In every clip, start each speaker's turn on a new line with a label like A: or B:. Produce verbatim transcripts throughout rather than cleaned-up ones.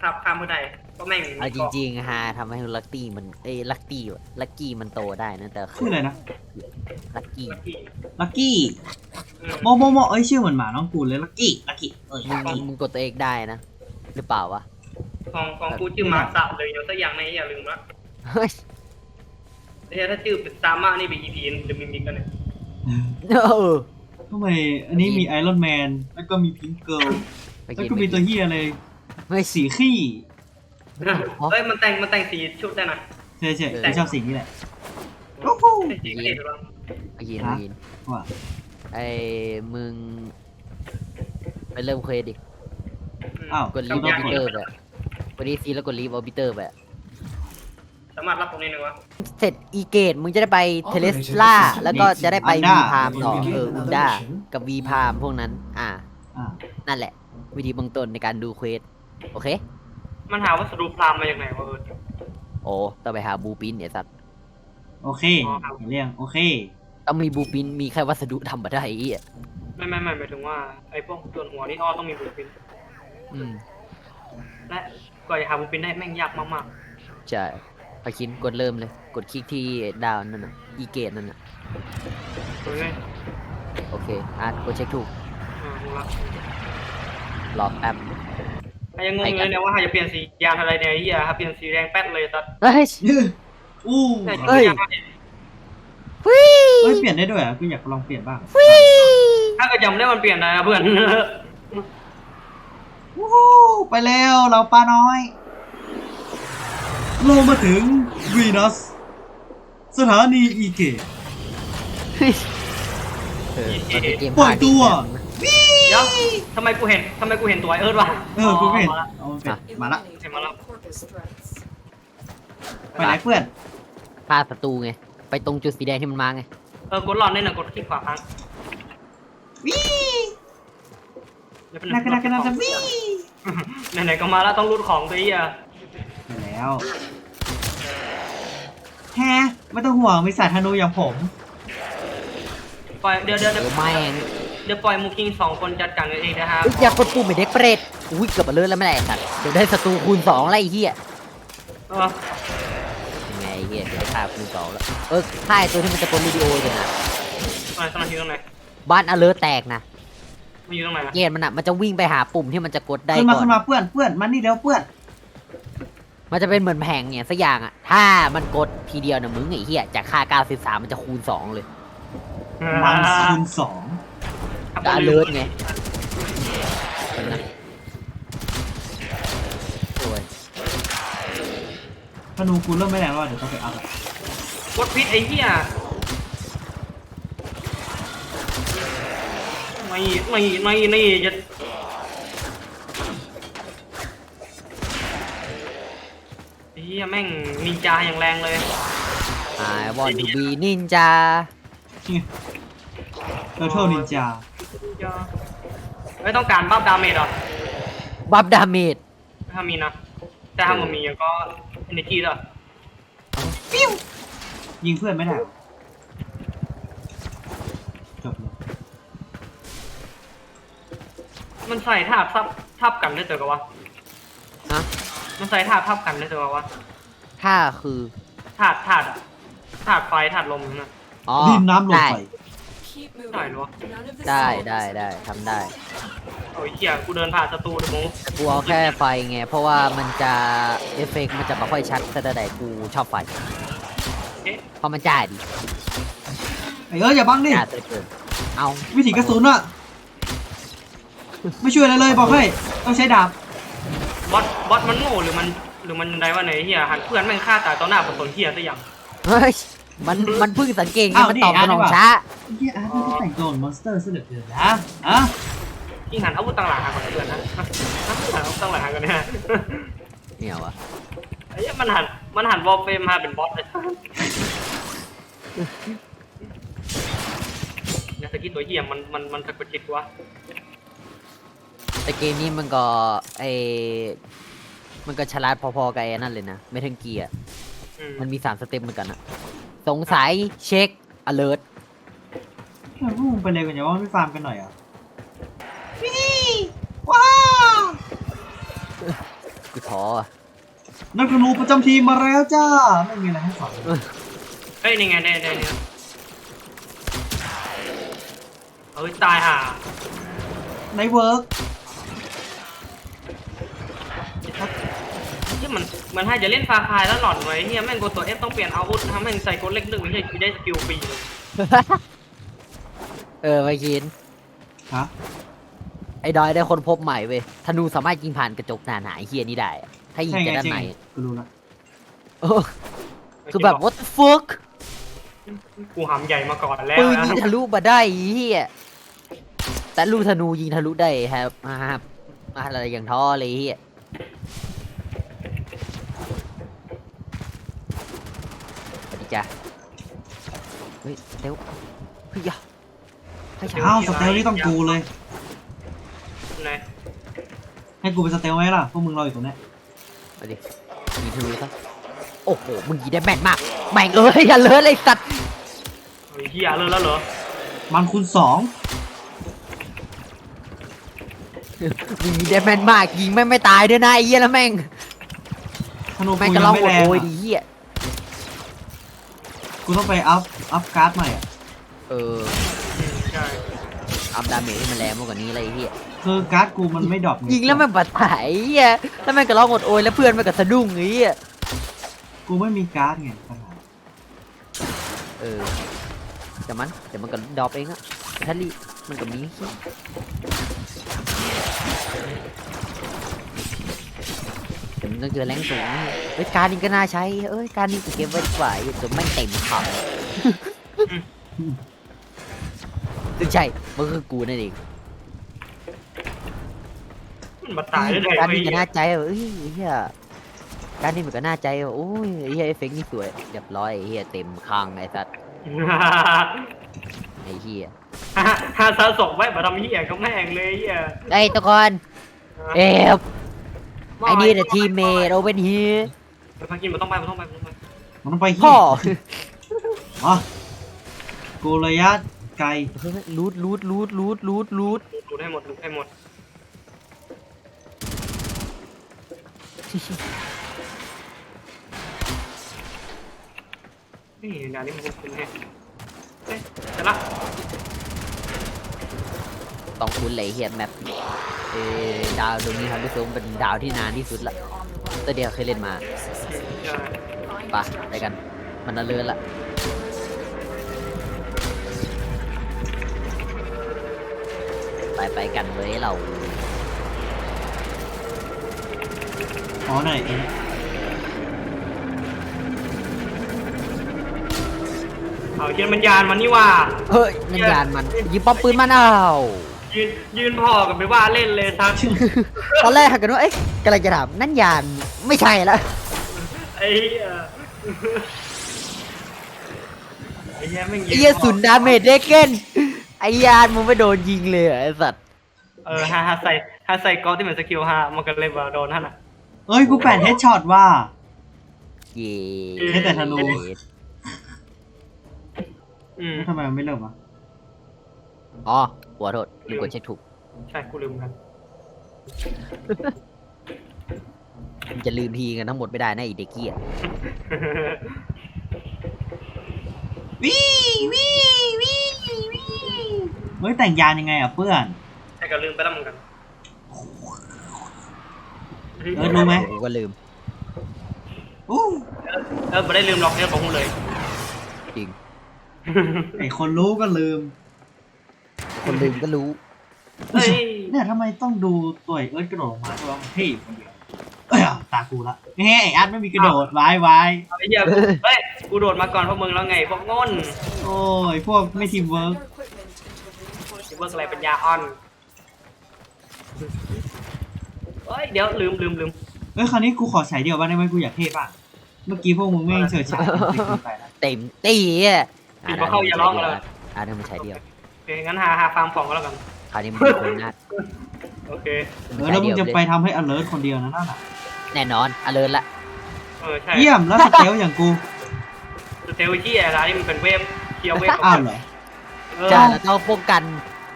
A: ครับข้ามไม่ได้ก็แม่ง
B: เอาจริงๆฮะทำให้ลักตี้มันเอ้ยลักตี้ลักกี้มันโตได้นะแต่
C: ชื่ออะไรนะ
B: ลักกี้
C: ลักกี้โมโมโมเอ้ยชื่อเหมือนหมาน้องกูเลยลักกี้ลักกี้เอ้ย
B: มึ
C: ลั
B: ง
C: กกี้
B: มึงกดตัวเองได้นะหรือเปล่าวะ
A: ของของกูชื่อมาสับเลยเดี๋ยวสักอย่างในอย่าลืมละ
B: เฮ้ย
A: แต่ถ้าชื่อเป็นซาม่านี่เป็นอีพีจะมีมิกกันเนี่ย
B: เออ
C: ทำไมอันนี้มีไอรอนแมนแล้วก็มีพิงเกิลแล้วก็มีตัวเฮียอะไร
B: ไม่สิ
C: สีขี้
A: เฮ้ยมันแต่งมันแต่งสีชุดได้นะ
C: ใช่ใช่
B: เออ
C: ผมชอบสีนี้แหละ
A: โอ้โหสีเก๋ด้วย
B: ไอ้ยินไอ้ยิน
C: ว่า
B: ไอ้มึงไปเริ่มเควสดิ
C: อ้าว
B: กดลีฟออบิเตอร์ไปกดดีซีแล้วกดลีฟออบิเตอร์ไป
A: สามารถรับตรงนี้หนึ่งวะ
B: เสร็จอีเกตมึงจะได้ไปเทเลสลาแล้วก็จะได้ไปวีพามต่อเอออุนด้ากับวีพามพวกนั้น อ่า
C: อ่า
B: นั่นแหละ วิธีเบื้องต้นในการดูเควสโอเค
A: มันหาวัสดุพรามมาจากไหนวะเออ
B: โอ้ต้องไปหาบูปินเนี่ยสัตว์
C: โอเคเห็นเรื่องโอเค
B: ต้องมีบูปินมีแค่วัสดุทำมาได้ไอ้เหี้ย
A: ไม่ไม่ไม่หมายถึงว่าไอ้พวกส่วนหัวนี่อ้อต้องมีบูปิน
B: อืม
A: และกว่าจะหาบูปินได้แม่งยากมาก
B: ใช่พาคินกดเริ่มเลย กดคลิกที่ดาวนั่นน่ะอีเกตนั่นน่ะ
A: ๆเลย
B: โอเคอ่ะกดเช็คถูก
A: อ่าดูละ
B: รอแป๊บ
A: ไอ้ยังงงเลยเนี่ยว่าหาจะเปลี่ยนสียางอะไรเนี่ยไอ้เหี้ยครับเปลี่ยนสีแดงแป๊ดเลยสัตว์
B: เฮ้ย
C: อู้
A: แต่
B: เฮ้ย
A: ยางเนี่ย
C: เฮ้ยเปลี่ยนได้ด้วยอ่ะกูอยากลองเปลี่ยนบ้าง
A: ถ้าเกิดจำได้มันเปลี่ยนได้นะเพื่อน
C: วู้ฮู้ไปแล้วเราปลาน้อยลงมาถึงวีนัสสถานีอีเกต
B: เออมันเป็นเกม
C: ปล่อยตัว
A: เดี๋ยวทำไมกูเห็นทำไมกูเห็นตัวไอ้เอิร์ธวะ
C: เออกูไม่เห็น
A: มาละ
C: เอามันเป็นมาละ
A: เห็นมาแล้ว
C: ไปไหนเพื่อน
B: ฆ่าศัตรูไง ไปตรงจุดสีแดงที่มันมาไง
A: เออกดหลอดนี่นะกดคลิกขวาค้าง
C: วิ
A: เดี๋ยวเป็น
C: นักกันนักกันนักกันวิ
A: ไหนๆก็มาแล้วต้องรูดของตัวไอ้เหี้ย
C: ไปแล้วแฮะไม่ต้องห่วงมีสายธนูอย่างผม
A: ปล่อยเดี๋ยวเดี๋ยว
B: เอ
A: เดี๋ยว
B: อแม่ง
A: เดี๋ยวปล่อยมูคิงสองคนจัดการกันเองนะฮะ
B: อุ๊ยอย่ากดปุ่มไอ้เด็กเปรตอุ้ยเกือบมาเลิศแล้วไม่ได้ไอ้สัตว์เดี๋ยวได้ศัตรูคูณสองแล้วไอ้เหี้ย
A: เออ
B: ยังไงไอ้เหี้ยเดี๋ยวได้ฆ่าคูณสองแล้วเออฆ่าไอ้ตัวที่มันจะกดวิดีโอเลยนะ
A: ตรงไหนตรงไหนอยู่ตรงไหน
B: บ้านอเลิร์แตกนะ
A: มันอยู่ตรงไหนนะ
B: เกตมันอ่ะมันจะวิ่งไปหาปุ่มที่มันจะกดได้
C: ขึ้นมา
B: ก่อ
C: ขึ้
B: น
C: นมาเพื่อนเพื่อนมานี่เร็วเพื่อน
B: มันจะเป็นเหมือนแผงเนี่ยสักอย่างอ่ะถ้ามันกดทีเดียวนะมึงไอ้เหี้ยจากค่าเก้าสิบสามมันจะคูณสองเลย
C: มันคูณสอง
B: ก็อเลิร์ไงเป็นนะโอ้ย
C: ธนูกูเริ่มไม่แรงแล้วอะเดี๋ยวต้องไปอัพอะ
A: กดพิษไอ้เหี้ยไม่ไม่ไม่ไม่จะไอ้เหี้ยแม่งนินจาอย่างแรงเลย
B: I want to be ninja
C: เทอร์เทิลนินจา
A: ไม่ต้องการบัฟดาเมจหรอ
B: บัฟดาเมจ
A: ถ้ามีนะแต่ถ้ามันมีก็เอเนจีแล้ว
C: ยิงเพื่อนไม่ได้หรอจบเลย
A: มันใส่ท่าทับทับกันได้ตัวกับวะ
B: ฮะ
A: มันใส่ท่าทับกันได้ตัวกับวะ
B: ถ้าคือ
A: ถาดถาดอะถาดไฟถาดลมนั่นนะ
B: อ๋อ
C: ดินน้ำลม
B: ได้
C: ไฟ
A: ได้หรอ
B: ได้ได้ได้ทำได้
A: โอ้ยเหี้ยกูเดินผ่านศัตรูเลยมึง
B: กูเอาแค่ไฟไง เพราะว่ามันจะเอฟเฟกต์มันจะไม่ค่อยชัดแต่ใดกูชอบไฟ
A: เอ๊ะ
B: เพราะมันจ่ายดี
C: ไอ้เอออย่าบังดิ
B: จ่ายเหลือเกินเอา
C: วิถีกระสุนอะไม่ช่วยอะไรเลยบอกให้ต้องใช้ดาบบ
A: อสบอสมันโง่หรือมันหรือมันอะไรวะเนี่ยไอ้เหี้ยหันเพื่อนแม่งฆ่าตายต่อหน้าผสมเหี้ยซะอย่าง
B: เฮ้ยมันมันเพิ่งสังเกตไงมันตอบสนองช้า
C: ไอ้เหี้ยอาร์ตไม่ได้แต่งตัวเหมือนมอนสเตอร์ซะเหลือเกินนะอะ
A: ยิ่งหันอาวุธต่างหลังหากันเพื่อนนะหันอาวุธต่างหลังหากันเนี่ย
B: เนี่ยวะ
A: ไอ้เหี้ยมันหันมันหันวอลเฟรมมาเป็นบอสเลยเนี่ยตะกี้ตัวเหี้ยมันมันมันสะกดจิตวะ
B: แต่เกมนี้มันก็ไอมันก็ฉลาดพอๆกับไอ้นั่นเลยนะไม่ทั้งเกียร์
A: อืม
B: มันมีสามสเต็ปเหมือนกันอะสงสัยเช็ค alert
C: พวกมึงไปเลยกันอย่าว่าไม่ฟาร์มกันหน่อยเหรอ่ะวิว้า
B: กูท้ออะ
C: นักธนูประจำทีมมาแล้วจ้าไม่มีอะไรให้สอน
A: เฮ้ยนี่ไงได้ได้เนี่ยเฮ้ยตายห่า
C: ในเวิร์ก
A: ที่มันมันให้จะเล่นฟาคายแล้วหลอนไว้เฮียแม่งกดตัวเอฟต้องเปลี่ยนอาวุธทำแม่งใส่กดเล็กหนึ่งเฮียกูได้สกิลฟรีเลย
B: เออไม่คิด
C: ฮะ
B: ไอ้ดอยได้คนพบใหม่เว้ยธนูสามารถยิงผ่านกระจกหนาหนาๆไอ้เฮียนี่ได้อะถ้ายิง
C: ใช่
B: จาก
C: ไง
B: ด้าน
C: ใช่
B: ใน
C: ไงกูรู้ละ
B: เออคือแบบ what the fuck
A: กูหำใหญ่มาก่อนแล้ว
B: ปืน
A: นะ
B: ยิงทะลุมาได้ไอ้เฮียแต่ลูกธนูยิงทะลุได้ครับมาครับมาอะไรอย่างท้อเลยไอ้เฮียสวัสดีจ้ะเฮ้ยเดี๋ยวเฮ้ยยะเฮ้ยยะ
C: อ้าวสเตลนี่ต้องกูเลย
A: ไหน
C: ให้กูเป็นสเตลไหมล่ะพวกมึงรออยู่ตรงเนี้ย
B: มาดิยิงทะลุซะโอ้โหมึงยิงได้แม่นมากแม่งเอ้ยอย่าเลิศเลยสัตว์
A: เฮ้ยเฮียเลยแล้วเหรอ
C: มันคูณสอง
B: มึงยิงได้แม่นมากยิงแม่งไม่ตายด้วยนะไอ้เหี้ยแล้วแม่ง
C: ธนู
B: แม่ง
C: กู
B: กระ
C: ยั
B: ลอง ง
C: ไม่
B: โอ
C: แรง
B: ดโอย
C: อะ
B: ดีเหี้ย
C: กูต้องไปอัพอัพการ์ดใหม่อ่ะ
B: เออ
A: อืมใช่
B: อัพดาเมจให้มันแรงมากกว่านี้เลยไอ้เหี้ย
C: คือการ์ดกูมันไม่ดรอป
B: ยิงแล้วแม่งบาดตายไอ้เหี้ยแล้วแม่งกระลองโอดโอยแล้วเพื่อนแม่งก็สะดุ้งไอ้เหี้ย
C: กูไม่มีการ์ดไงปัญหา
B: เออแต่มันแต่มันก็ดรอปเองอะทัลลี่มันก็มีแต่มันต้องเจอแรงสูงเฮ้ยการนี้ก็น่าใช้เอ้ยการนี้กูเก็บไว้ดีกว่าอยู่จนไม่งเต็มถังซึ่งใช่มันคือกูนั่นเอง
A: มันมาตายได้ไง
B: การ
A: วะ
B: นี้
A: เฮี
B: ก็
A: ย
B: น่าใจว่ะเอ้ยเฮียการนี้มันก็น่าใจว่ะโอ้ยไอ้เฮียเอฟเฟกต์นี่สวยเรียบร้อยไอ้เฮียเต็มคางไอ้สัตว์ไอ้เฮีย
A: ฮาซาส่งไว้มาทำเฮียก็แม่งเลยเฮีย
B: ไอ้ยทุกคนเอฟไอ้นี่เดอะทีมเมทโอเวนเฮีย
A: ไปพักกินมันต้องไปมันต้องไปมันต้องไป
C: มันต้องไปที่
B: พ่อ
C: อ๋อกูระยะไกล
B: เฮ้ยรูดรูดรูดรูดรูดรูด
A: ดูให้หมดดูให้หมดนี่เดี๋ยวนี้มันคุ้นๆแฮะเฮ้ยเสร็จละ
B: ต้องคุ้นเลยเฮียแมปเออดาวตรงนี้ครับพี่ซุ้มเป็นดาวที่นานที่สุดละตัวเดียวเคยเล่นมา
A: ใช่
B: ไปะไปกันมันน่าเลื่อนละไปไปกันเลยเรา
C: อ๋อไหนเอง
A: เอาเชียนมันยานมันนี่ว่า
B: เฮ้ยนั่นยานมันยิงป้อมปืนมันเอา
A: ยืนยืนพอกันไปว่าเล่นเลยทัก
B: ตอนแรกหักกันว่าเอ๊ะกำลังจะถามนั่นยานไม่ใช่แล้ว
A: ไอ้เหี้ยไอ้เหี้ยแม่ง
B: ไอ้เหี้ยศูนย์ดาเมจเด็กเก้นไอ้ยานมึงไม่โดนยิงเลยเหรอไอ้สัตว์
A: เออฮาฮาใส่ฮาใส่กอที่เหมือนสกิลฮามันก็เลยว่าโดนท่านอ่ะ
C: เอ้ยกูแปดเฮดช็อตว่า
B: เย่
C: ให้แต่ธนู
A: อืม
C: แล้วทำไมมันไม่เริ่มวะ
B: อ๋อหัวโทษลืมกดเช็คถูก
A: ใช่กูลืมกัน
B: มึงจะลืมทีกันทั้งหมดไม่ได้นะไอ้เด็กเกี้ย
C: วิวิวิวิเฮ้ยแต่งยานยังไงอ่ะเพื่อน
A: ใช่ก็ลืมไปแล้วเหมือนกัน
C: เออรู้ไหม
B: กูก็ลืม
C: อู้
A: เออไม่ได้ลืมล็อกเนี่ยของกูเลย
B: จริง
C: ไอคนรู้ก็ลืม
B: คนลืมก็รู้
A: เฮ้ย
C: เนี่ยทำไมต้องดูตัวไอ้เอิร์ธกระโดดลงมาเพราะว่ามันเท่อยู่คนเดียวเอ้ยตากูละเฮ้ยไอ้อาร์ตไม่มีกระโดดไว้ไว้
A: ไอ้เหี้ยเฮ้ยกูโดดมาก่อนพวกมึงแล้วไงพวกง่น
C: โอ้ยพวกไม่ทีมเวิร์ก
A: เบิร์กอะไรเป็นยาอ่อนเฮ้ยเดี๋ยวลืมลืมลืม
C: เอ้ยคราวนี้กูขอฉายเดียวบ้างได้ไหมกูอยากเท่บ้างเมื่อกี้พวกมึงไม่เฉิดฉายจริงๆไปนะ
B: เต็มตีอ่ะ
A: ปิดมาเข้าอย่าร้องเลย
B: อ่าเดี๋ยวมันใช้เดียว
A: โอเคงั้นหาหาฟาร์มของก็แล้วกัน
B: คราวนี้มันมีคนนัด
A: โอเค
C: เออแล้วมึงจะไปทำให้ alert คนเดียวนะนั่นน่ะ
B: แน่นอนอเลิร์ละ
A: เออใช่
C: เยี่ยมแล้วสเตลอย่างกู
A: สเตลที่อะไรนี่มันเป็นเวฟเคียวเวฟ
C: อ้าวเหรอ
A: เออ
B: จ้าเราต้องป้องกัน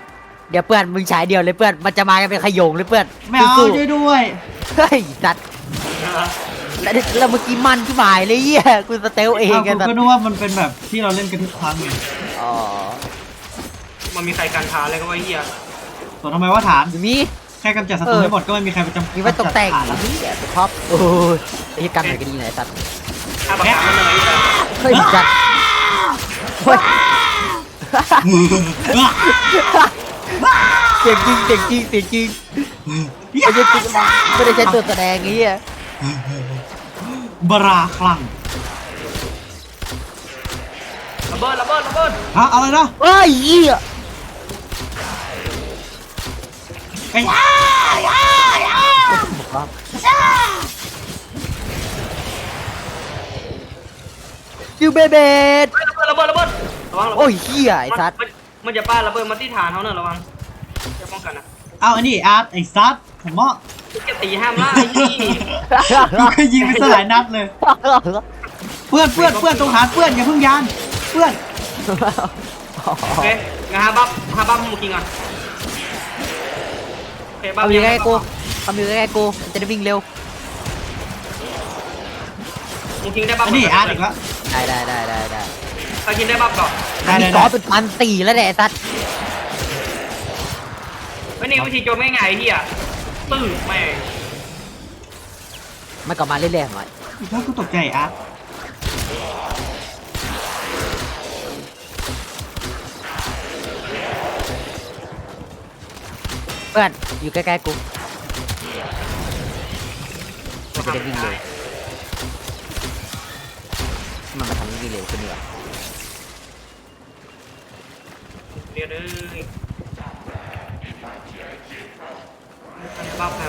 B: เดี๋ยวเพื่อนมึงฉายเดียวเลยเพื่อนมันจะมากันเป็นขโยงเลยเพื่อน
C: ไม่เอา
B: สู้
C: ช่วยด้วย
B: ๆเฮ้ยสัตว์แล้วแล้วเมื่อกี้มันที่หมายเลยเหี้ยกูสเตลเอง
C: อ้าว
B: กัน
C: กูก็นึกว่ามันเป็นแบบที่เราเล่นกันทุกครั้งไง
B: อ๋อ
A: มันมีใครการทาอะไรก็ว่าเฮีย
C: ส่วนทำไมว่าฐาน
B: อยู่นี่
C: แค่กำจัดศัตรูให้หมดก็ไม่มีใครไปจำ
B: มีไว้ตกแต่ง
C: ฐานแล้ว
B: นี่แหละท็อปโอ้ยไอ้กันไหนก็ดีไหนสัตว์
A: ถ้าประกาศมันเลยแต่
B: เฮ้ยจัดเฮ้ยเสียงจริงเสียงจริงเสียงจริงไม่ใช่ตัวไม่ได้ใช้ตัวแสดงไอ้เหี้ย
C: บราคลัง
A: ระเบิดระเบิดระเบิด
C: ฮะอะไรนะ
B: เฮ้ยเหี้ย
C: ไอ้ย่าย่าย่า
B: ยูเบเบด
A: ระเบิดระเบิดระเบิดระวังระเบิด
B: โอ้ยเหี้ยไอ้สัตว์
A: มันมันจะป้าระเบิดมาที่ฐานเขาเนอะระวังจะป้องกันนะ
C: เอาอันนี้อาร์ตไอ้ซัดผมว่า
A: จะตีห้ามล่าไอ้ที่
C: กูเคยยิงไปสลายนัดเลยเพื่อนเพื่อนเพื่อนตรงฐานเพื่อนอย่าเพิ่งยานเพื่อน
A: โอเคงั้นฮาบับฮาบับมูกิงก่อนโอเคบับ
B: เอาอยู่ใกล้ๆกูเอาอยู่ใกล้ๆกูมันจะได้วิ่งเร็ว
A: มูกิงได้บับ
C: อันนี้อาร์ตอีกแล้ว
B: ได้ได้ได้ได้ได้
A: ถ้ากินได้บับก่อน
C: ได้
B: มี
C: ได้
B: กอ
C: ได้
B: เป็นพันสี่แล้วเนี่ยไอ้สัตว์
A: ไม่นี่วิธีโจมง่ายๆไอ้เฮียตื้อแม่ง
B: มันกลับมาเรื่อยๆหน่อย
C: อีกแล้วกูตกใจอาร์ต
B: เพื่อนอยู่ใกล้ๆกูมันจะได้วิ่งเร็วมันมาทำให้วิ่งเร็วขึ้นดีกว่า
A: เดี๋ยวเด้อบับครับ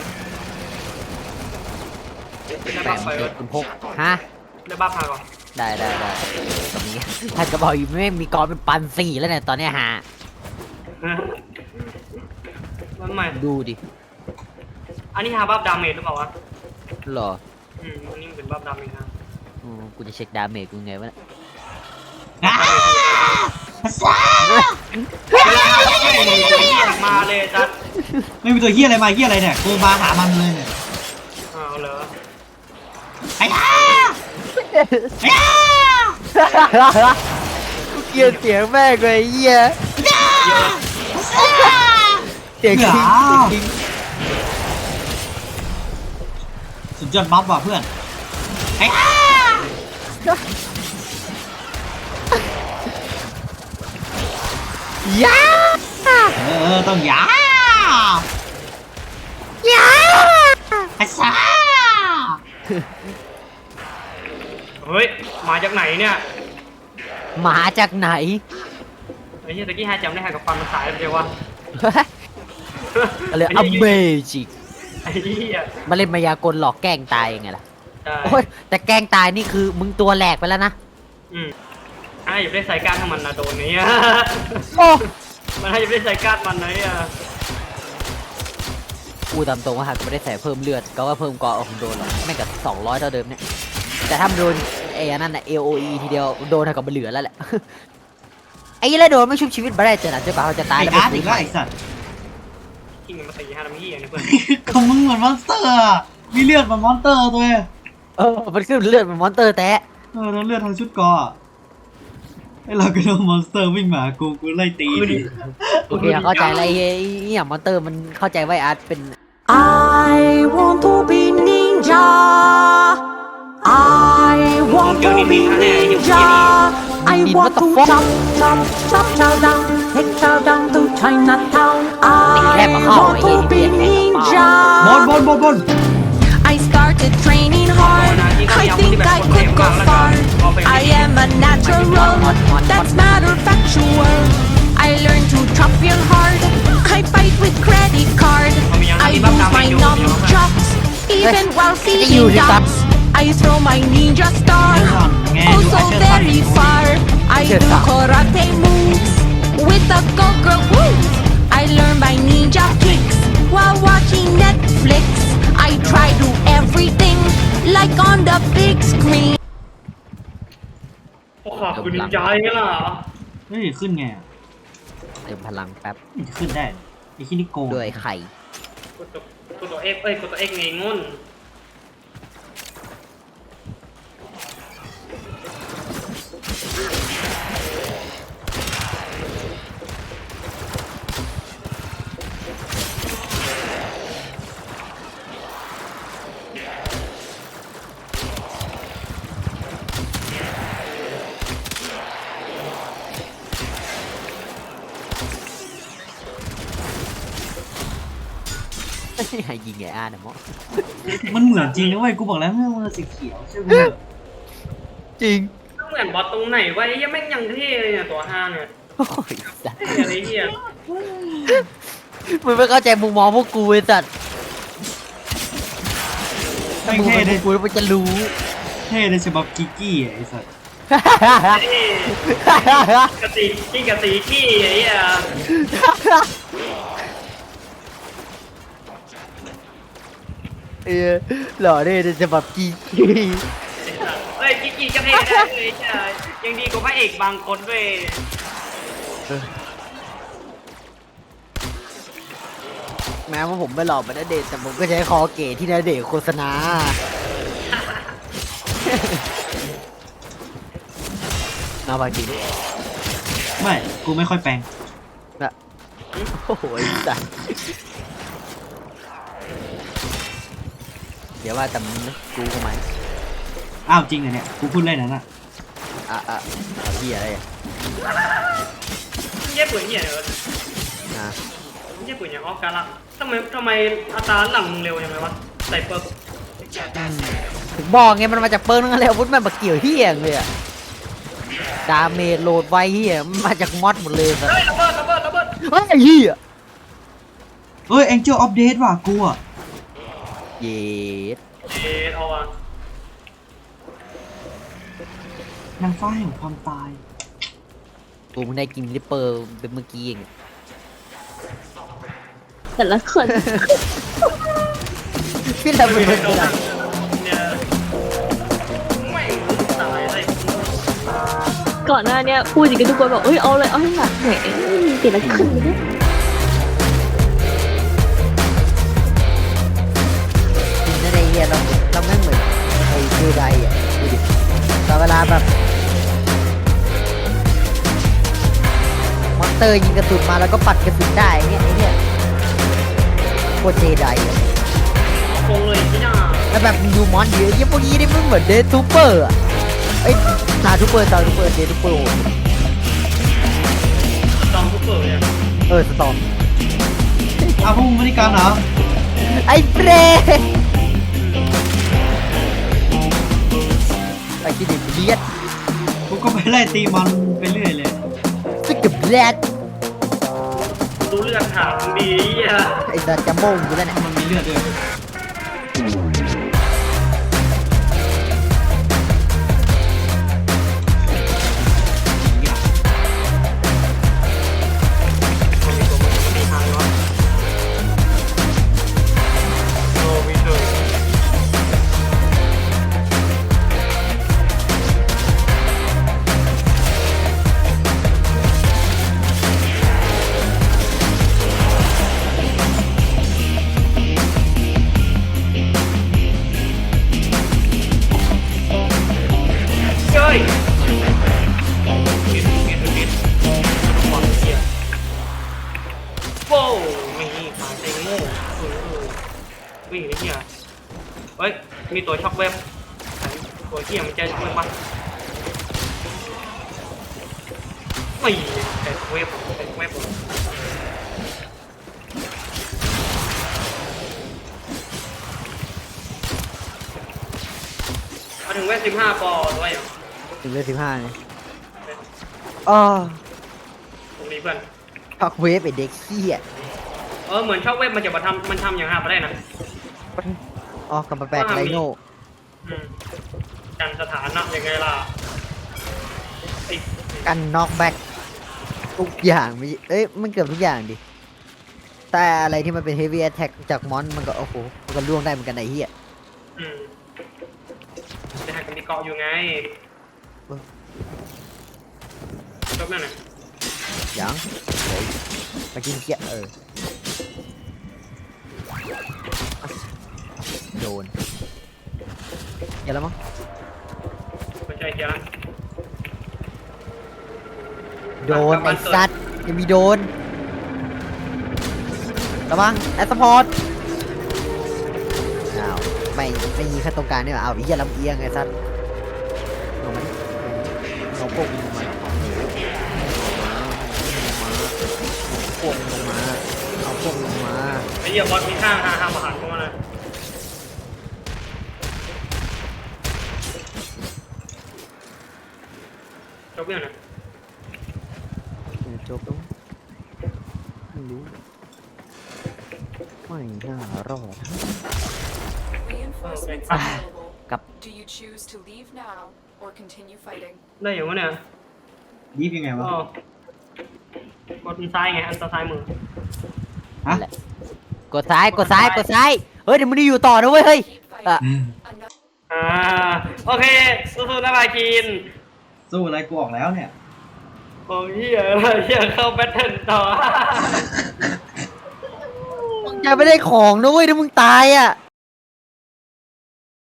A: ได้
B: แป
A: บั
B: ม
A: บไป
B: เจ็ดคุณพกฮะ
A: ได้บับมาก่อน
B: ได้ได้ได้ตรงนี้ท่านก็บอกอยู่ไม่มีกรเป็นปันสี่แล้วเนี่ยตอนเนี้ยฮะ
A: มันใหม่
B: ดูดิ
A: อันนี้ฮาบับดาเมจหรือเปล่าวะ
B: หรอ
A: อืมอันนี้มันเป็นบับดาเมจนะ
B: อืมกูจะเช็คดาเมจกูไงวะเนี่ย
C: อ้าซ่า
A: เวลาฮาบับไม่มีตัวเหี้ยมาเลยจัด
C: ไม่มีตัวเฮียอะไรมาเฮียอะไรเนี่ยกูมาหามันเลยเนี่ย
A: อ้าวเหรอ
C: ไอ้ย่าไอ้ย่า
B: กูเกลียดเสียงแม่งเลยไอ้เหี้ยเสียงจริงเสียงจริง
C: สุดยอดบัฟว่ะเพื่อนไอ้ย่า
B: ยา
C: เออต้องยา
B: ยา
C: ไอ้ซ่า
A: เฮ้ยมาจากไหนเนี่ย
B: หมาจากไหน
A: ไอ้เหี้ยตะกี้ฮาจำได้ฮากับฟันมันสายเลยเดียววะ
B: อะไรอเมจิก
A: ไอ้เหี้ย
B: มาเล่นมายากลหลอกแกล้งตายยังไงล่ะ
A: ได้
B: โอ้ยแต่แกล้งตายนี่คือมึงตัวแหลกไปแล้วนะ
A: อืมอ่ะอยู่ได้ใส่การของมันนะโดนนี้
B: โอ้
A: มันให้อยู่ได้ใส่การมันนะเนี่ย
B: กูตามตรงว่าหากไม่ได้ใส่เพิ่มเลือดก็ว่าเพิ่มกอของโดนหรอกไม่งกับสองร้อยเท่าเดิมเนี่ยแต่ถ้ามันโดนไอ้อันนั่นน่ะ เอ โอ อี ทีเดียวโดนเท่ากับมันเหลือแล้วแหละ ไอ้แล้วโดนไม่ชุบชีวิตมาได้เจอหนักเจอปลาเขาจะตาย
C: ไอ้
B: แล้ว
C: อาร์ต
B: ไม่
C: อี
B: ฟื้
C: ก
B: น
C: แล้วไอ้สัตว์
A: ทิ้งมันมาตีฮาทำเหี้ยนี่เพื่อน
C: ของมึงเหมือนมอนสเตอร์อะมีเลือดเหมือนมอนสเตอร์ตัวเอง
B: เออมันขึ้นเลือดเป็นมอนเตอร์แตะ
C: เออแล้วเลือดทั้งชุดเกออะไอ้เราก็โดนมอนสเตอร์วิ่งมากูกูไล่ตีดิ
B: โอเคเข้าใจอะไรไอ้เนี่ยมอนเตอร์มันเข้าใจว่าอาร์ตเป็น
D: I want to be ninja. I want to be ninja. I want to chop, chop, chop, chow down, take chow down to Chinatown. I want to be
C: บน
D: ninja.
C: บนบนบน
D: I started training hard. I think I could go far. I am a natural. That's matter factual. I learned to chop real hard. I fight with credit card. I use my nunchucks even while feeding ducks. I throw my ninja star oh so very far. I do karate moves with the go-go moves. I learn my ninja kicks while watching Netflix. I try to everything like on the big screen.
A: โอ้ขอบคุณใจกันล่ะ
C: เฮ้ยขึ้นไงอะ
B: เติมพลังแป๊บ
C: มันจะขึ้นได้ไอ้ที่นี่โกง
B: ด้วยไข่
A: กดตัวกดตัวเอ็กเอ้ยกดตัวเอ็กไงงุ่น
B: ให้ยิงไงอ่ะนะมอ
C: มันเหมือนจริงนะเว้ยกูบอกแล้วเมื่อมันสีเขียวใช่ไหม
B: จริง
A: เหมือนบอสตรงไหนวะไอ้เหี้ยแม่งยังเท่เลยเนี่ยตัวห้าเนี่ย
B: โอ้ยสัตว์
A: เท่อะไรเหี้ย
B: มึงไม่เข้าใจมุมมองพวกกูไอ้สัตว์ถ้า
C: ไม่
B: มึง
C: เท่
B: เป็น
C: เล
B: พวย กกูแล้วมึงจะรู้
C: เท่เลยฉบับกิกกี้อะไอ้สัส
A: เท่กะติขี้กะติขี้ไอ้เหี้ย
B: เออหล่อเนี่ยจะแบบกี
A: เฮ้ยขี้ขี้ก็เท่ได้เลยใช่ยังดีกว่าพระเอกบางคนเว้ย
B: แม้ว่าผมไม่หล่อเหมือนณเดชน์แต่ผมก็ใช้คอเก๋ที่ณเดชน์โฆษณาเอาบางทีด้วย
C: ไม่กูไม่ค่อยแปลง
B: นะโอ้โหไอ้สัสเดี๋ยวว่าแต่มึงนะกูก็ไหม
C: อ้าวจริงเหรอเนี่ยกูพูดเล่นนะน่ะ
B: อ่ะอ่ะเอาเหี้ยอะไรอ่ะ
A: เหี้ยปืนเหี้ยเลย
B: อ่ะ
A: เหี้ยปืนอย่างออกการะทำไมทำไมอัตราหลังมึงเร็วยังไงวะใส่เปิร์ก
B: ถึงบอกไงมันมาจากเปิ้ลนั่นแหละอาวุธมันมาเกี่ยวเหี้ยเลยอะดาเมจโหลดไวเหี้ยมันมาจากมอดหมดเลยสัส
A: เฮ้ยระเบิดระเบิดระเบิด
B: เฮ้ยไอ้เหี้ย
C: เอ้ย Angel of Death ว่ะกูอ่ะ
B: เย็ด
A: เอ๊ะเอาอ่ะ
C: นางฟ้าแห่งความตาย
B: กูมึงได้กินลิปเปอร์เป็นเมื่อกี้เอง
E: แต่ละคน
B: พี่ทำเป็น
A: ไม่
B: คน
A: โดน
B: ละ
A: เนี่ยไม่ตายเลย
E: ก่อนหน้าเนี้ยพูดอย่างกันทุกคนบอกเอ้ยเอาเลยเอาให้หนักแหมแต่ละคนเนี่ย
B: จริงนะไอ้เหี้ยเราเราแม่งเหมือนไอ้เจไดอ่ะดูดิแต่เวลาแบบมอนเตอร์ยิงกระสุนมาแล้วก็ปัดกระสุนได้เงี้ยไอ้เหี้ยโคตรเจไดอ่ะ
A: คงเลยที่หน้า
B: แล้วแบบมีดูมอนเยอะยี่พวกนี้นี่มันเหมือนเดทูเปอร์อ่ะไอ้ตาทูเปอร์ตาทูเปอร์เดทูเปอร์
A: จอมผู้เปิดเนี่ย
B: เออสตอม
C: อ้าวพวกมึงไม่ได้การเหรอ
B: ไอ้เบรไอ้ที่ดิเลียด
C: กูก็ไปไล่ตีมันไปเรื่อยเลย
B: สกิบแลด
A: ดูเลือดถามดีอ่ะ
B: ไอ้สัตว์จะโม่งอยู่แล้วเนี่ย
C: มันมีเลือดด้วย
A: มันมีตัวมันมันมีทางวะโอ้วิเตอร์เฮ้ยเก็บเก็บเก็บความเชี่ยโว้วมีขาเต็งโม่เออวิ่งไอ้เหี้ยเฮ้ย มีตัวช็อกเว็บตัวเหี้ยมันจะช็อกเว็บปะไม่แต่เว็บแต่เว็บมาถึงเว็บสิบห้าปอด้วยอ่ะ
B: ถึงเลขสิบห้าเลยอ๋อ
A: ตรงนี้เพื่อน
B: พักเวฟไอ้เด็กเหี้ย
A: เออเหมือนช็อกเว็บมันจะมาทำมันทำอย่างหาไปได้นะ
B: อ๋อกำมาแปลกไรโน่
A: อืมกันสถานะยังไงล่ะไอ้
B: กันน็อกแบ็กทุกอย่างไม่เอ้ยมันเกือบทุกอย่างดิ แต่อะไรที่มันเป็นเฮฟวี่แอทแทกจากมอนมันก็โอ้โหมันก็ล่วงได้เหมือนกันไอ้เหี้ย
A: อืมจะหักกันมีเกาะอยู่ไงจบนั่นน่ะ
B: ยังเฮ้ยมากินเกี้ยเออโดนอย่าแล้วมั้ง
A: ไม่ใช่เจ้าละ
B: โดนไอ้สัตว์ยังมีโดนระวังแอสพอร์ตอ้าวไม่ไม่ยิงแค่ตรงกลางนี่หว่าอ้าวไอ้เหี้ยลำเอียงไอ้สัตว์ลงมาดิลงพวกมึงลงมาลงมาพวกมึงลงมาเอาพพุ่งลงมา
A: ไอ้เหี้ยบอสมีข้างหาหาอาหารเข้ามาเลยจบยังนะ
B: จบแล้วไม่รู้ไม่น่ารอด
F: Reinforcements
A: Ah.
F: available.
B: Cặp.
F: Do you choose to leave now or continue fighting?
A: ได้อยู่วะเนี่ย
C: ยีบยังไงวะ
A: อ๋อ กดซ้ายไง อันซ้ายมือ
C: ฮะ
B: นั่นแหละ กดซ้ายกดซ้ายกดซ้ายเฮ้ยเดี๋ยวมึงได้อยู่ต่อนะเว้ยเฮ้ย
F: Keep
B: อ่ะ
F: fighting. Another
A: อ่า โอเค สู้ๆนะบาคิน
C: สู้อะไรกูออกแล้วเนี่ย
A: โอ้ยเหี้ยเหี้ยเข้าแบทเทิลต่อ
B: มึงจะไม่ได้ของนะเว้ยถ้ามึงตายอ่ะ